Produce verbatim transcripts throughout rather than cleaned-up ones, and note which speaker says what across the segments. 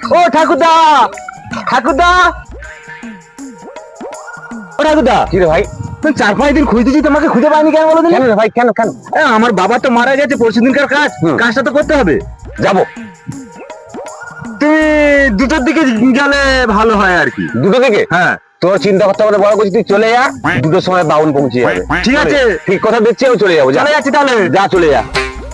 Speaker 1: ও ঠাকুরদা, ঠাকুরদা, ও ঠাকুরদা।
Speaker 2: কি রে ভাই?
Speaker 1: তুই চার পাঁচ দিন খুঁজতেছি, তোমাকে খুঁজে পাইনি কেন বলো?
Speaker 2: কেন রে ভাই, কেন কেন?
Speaker 1: আমার বাবা তো মারা গেছে, পরশু দিনকার কাজ, কাজটা তো করতে হবে।
Speaker 2: যাবো।
Speaker 1: তুমি দুটোর দিকে গেলে ভালো হয় আর কি।
Speaker 2: দুটো থেকে?
Speaker 1: হ্যাঁ।
Speaker 2: তোর চিন্তা করতে হবে বড় করছি, তুই চলে যা, দুটোর সময় বাউন পৌঁছে যাবে।
Speaker 1: ঠিক আছে,
Speaker 2: ঠিক কথা দিচ্ছি, আমি চলে যাবো।
Speaker 1: চলে যাচ্ছি তাহলে।
Speaker 2: যা, চলে যা।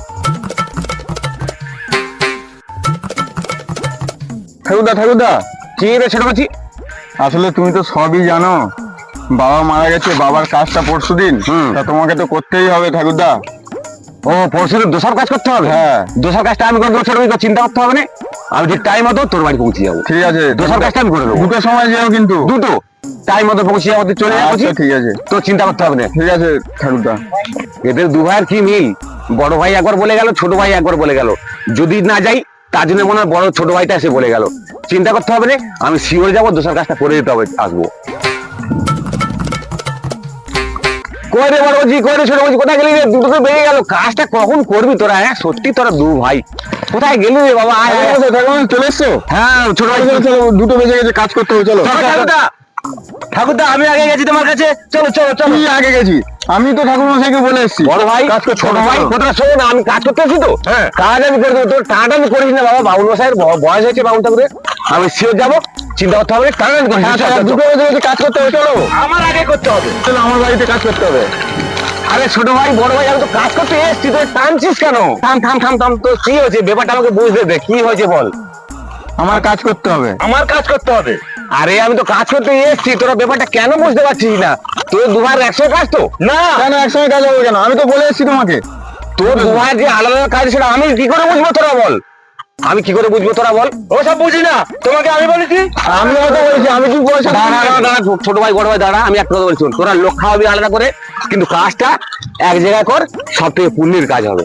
Speaker 3: ঠাকুরদা, ঠাকুরদা,
Speaker 2: কি রে ছোট করছি?
Speaker 3: আসলে তুমি তো সবই জানো, বাবা মারা গেছে, বাবার কাজটা পরশু দিন, তা তোমাকে তো করতেই হবে ঠাকুরদা।
Speaker 2: ও পরশু দোষার কাজ করতে হবে?
Speaker 3: হ্যাঁ।
Speaker 2: দোষার কাজটা আমি করবো, ছোট ভাই, চিন্তা করতে হবে না। আমি ঠিক টাইম মতো তোর বাড়ি পৌঁছে যাবো।
Speaker 3: ঠিক আছে,
Speaker 2: দোষার কাজটা আমি করে দেবো।
Speaker 3: দুটোর সময় যেও কিন্তু।
Speaker 2: দুটো টাইম মতো পৌঁছে যাবো, তুই চলে যাবো।
Speaker 3: আচ্ছা, ঠিক আছে,
Speaker 2: তোর চিন্তা করতে হবে না।
Speaker 3: ঠিক আছে ঠাকুরদা।
Speaker 2: এদের দু ভাইয়ের কি মিল! বড় ভাই একবার বলে গেল, ছোট ভাই একবার বলে গেল। যদি না যাই তার জন্য মনে হয় বড় ছোট ভাইটা এসে বলে গেল। চিন্তা করতে হবে না, আমি শিওর যাবো, দোষার কাজটা করে দিতে হবে, আসবো। কই রে বড় বলছি, কই রে ছোট বলছি, কোথায় গেলি রে? দুটো তো বেরিয়ে গেল, কাজটা কখন করবি তোরা? হ্যাঁ সত্যি তোরা দু ভাই কোথায় গেলি রে বাবা? আয়, আয়।
Speaker 3: ঠাকুরদা চলে এসছো?
Speaker 2: হ্যাঁ ছোট ভাই,
Speaker 3: চলো, চলো, দুটো বেজে গেছে, কাজ করতে হবে, চলো।
Speaker 1: ঠাকুরদা, ঠাকুরদা, আমি আগে গেছি তোমার কাছে, চলো চলো চলো।
Speaker 3: আমি আগে গেছি, আমি তো ঠাকুর মশাইকে বলে এসছি
Speaker 2: বড় ভাই,
Speaker 3: কাজ করতে
Speaker 2: ছোট
Speaker 3: হবে,
Speaker 2: ভাই,
Speaker 3: চলো।
Speaker 2: কথাটা শোন, আমি কাজ করতে আছি তো।
Speaker 1: হ্যাঁ।
Speaker 2: কাজ আমি করে দেবো, তোর টাটা আমি করিস না বাবা। বাবুল মশাইয়ের ব- বয়স হয়েছে, বাবুল ঠাকুরের। আমি শিওর যাবো, চিন্তা করতে হবে, টাটা আমি করিস না।
Speaker 3: হ্যাঁ,
Speaker 2: চল,
Speaker 3: চলো,
Speaker 2: চল,
Speaker 3: দুটো
Speaker 2: চল।
Speaker 3: বেজে গেছে, কাজ করতে হবে, চলো।
Speaker 1: আমার আগে করতে হবে।
Speaker 3: চলো, আমার বাড়িতে কাজ করতে হবে।
Speaker 2: আরে ছোট ভাই, বড় ভাই, আমি তো কাজ করতে এসছি, তুই টানছিস কেন? থাম থাম থাম থাম, তো কি হয়েছে ব্যাপারটা আমাকে বুঝতে দে, কি হয়েছে বল।
Speaker 3: আমার কাজ করতে হবে।
Speaker 1: আমার কাজ করতে হবে।
Speaker 2: আরে আমি তো কাজ করতে এসছি, তোরা ব্যাপারটা কেন বুঝতে পারছিস না? তোর দু ভাইয়ের একশো কাজ তো
Speaker 1: না,
Speaker 3: কেন একসঙ্গে কাজ হবে কেন? আমি তো বলে এসছি তোমাকে।
Speaker 2: তোর দু ভাইয়ের যে আলাদা আলাদা কাজ, সেটা আমি কি করে বুঝবো, তোরা বল। আমি কি করে বুঝবো, তোরা বল।
Speaker 1: ওসব বুঝি না, তোমাকে আমি বলেছি।
Speaker 3: আমি হয়তো বলেছি, আমি কি পয়সা
Speaker 2: দাঁড়া দাঁড়া দাঁড়া, ছোট ভাই বড় ভাই দাঁড়া, আমি একটা কথা বলছি, শোন, তোরা লোক খাওয়াবি আলাদা করে, কিন্তু কাজটা এক জায়গায় কর, সব থেকে পুণ্যের কাজ হবে।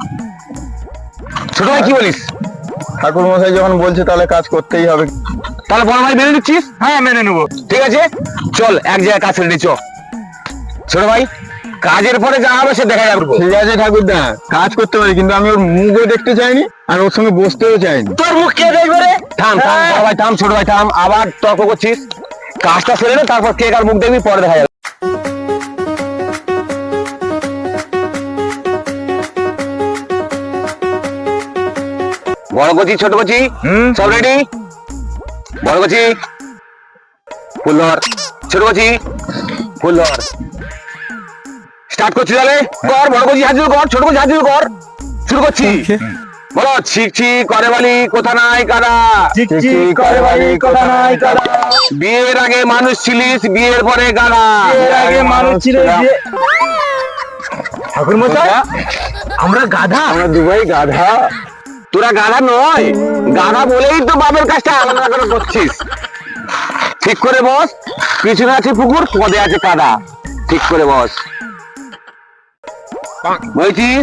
Speaker 2: ছোট ভাই কি বলিস?
Speaker 3: ঠাকুর মশাই যখন বলছে তাহলে কাজ করতেই হবে।
Speaker 2: তাহলে বড় ভাই মেনে নিচ্ছিস?
Speaker 1: হ্যাঁ, মেনে নেবো।
Speaker 2: ঠিক আছে, চল এক জায়গায় কাজ ছেড়ে চ। ছোট ভাই, কাজের পরে যা হবে সে দেখা যাবে।
Speaker 3: ঠিক আছে ঠাকুরদা, কাজ করতে পারি, কিন্তু আমি ওর মুখও দেখতে চাইনি, আর ওর সঙ্গে বসতেও চাইনি।
Speaker 1: তোর মুখ কে দেখবে রে?
Speaker 2: থাম থাম বড় ভাই, থাম, ছোট ভাই থাম, আবার তর্ক করছিস। কাজটা সেরে নে, তারপর কে কার মুখ দেখবি পরে দেখা যাবে। বড় কচি, ছোট কচি, সব রেডি? বড় কচি ফুল ধর, ছোট কচি ফুল ধর। স্টার্ট করছি তাহলে, কর। বড় কচি হাজির কর, ছোট কচি হাজির কর, শুরু করছি। বলো, ছিক ছিক করে বালি কোথা নাই কাদা,
Speaker 1: চিক চিক করে বাড়ি, কথা নাই কাদা।
Speaker 2: বিয়ের আগে মানুষ ছিলিস, বিয়ের পরে গাদা।
Speaker 1: এর আগে মানুষ ছিল যে ঠাকুর মশাই, আমরা গাধা।
Speaker 2: আমরা দুবাই গাধা। তোরা গাধা নয়, গাধা বলেই তো বাবের কাজটা আলাদা করে করছিস। ঠিক করে বস, পিছনে আছে পুকুর, পদে আছে কাদা। ঠিক করে বস, বলছিস?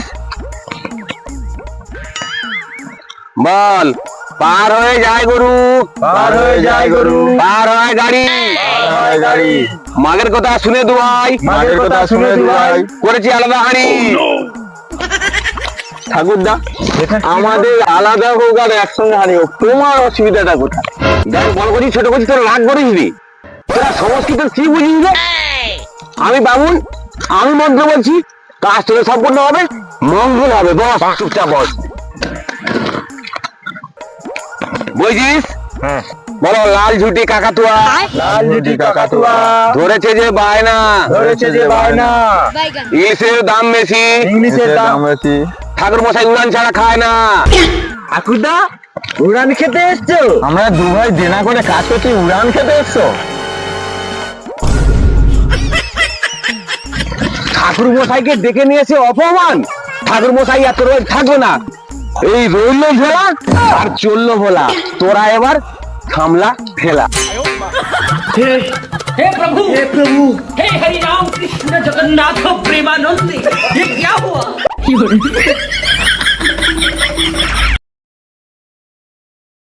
Speaker 2: বল। পার হয়ে যায় গরু,
Speaker 1: পার হয়ে যায় গরু,
Speaker 2: পার হয় গাড়ি,
Speaker 3: পার হয় গাড়ি।
Speaker 2: মাগের কথা শুনে দুয়াই,
Speaker 3: মায়ের কথা শুনে দুয়াই।
Speaker 2: করেছি আলাদা হাঁড়ি।
Speaker 3: ঠাকুরদা, আমাদের আলাদা হোক আর একসঙ্গে হারিয়ে হোক, তোমার অসুবিধাটা কোথায়?
Speaker 2: দেখ, বড় করছি ছোট করছি, তোরা রাগ করিস নি। তোরা সংস্কৃত কি বুঝিস রে? আমি বামুন, আমি মন্ত্র বলছি, কাজ তোদের সম্পূর্ণ হবে, মঙ্গল হবে। বস, চুপচাপ বস। বুঝিস? বলো, লাল ঝুটি কাকাতুয়া,
Speaker 1: লাল ঝুটি কাকাতুয়া,
Speaker 2: ধরেছে যে বায়না,
Speaker 1: ধরেছে যে বায়না,
Speaker 2: ইলিশের দাম বেশি,
Speaker 1: ইংলিশের দাম।
Speaker 3: বেশি।
Speaker 2: ঠাকুর মশাই উড়ান ছাড়া খায় না।
Speaker 1: ঠাকুরদা, উড়ান খেতে এসছো?
Speaker 3: আমরা দু ভাই দেনা করে কাজ করছি, উড়ান খেতে এসছো?
Speaker 2: ঠাকুর মশাইকে ডেকে নিয়েছে অপমান। ঠাকুর মশাই এত রোজ থাকবে না, এই রইল ভোলা আর চললো ভোলা। তোরা এবার থামলা ফেলা।
Speaker 4: हे हे प्रभु हे प्रभु हे हरि राम कृष्ण जगन्नाथ प्रेमानंद ये क्या हुआ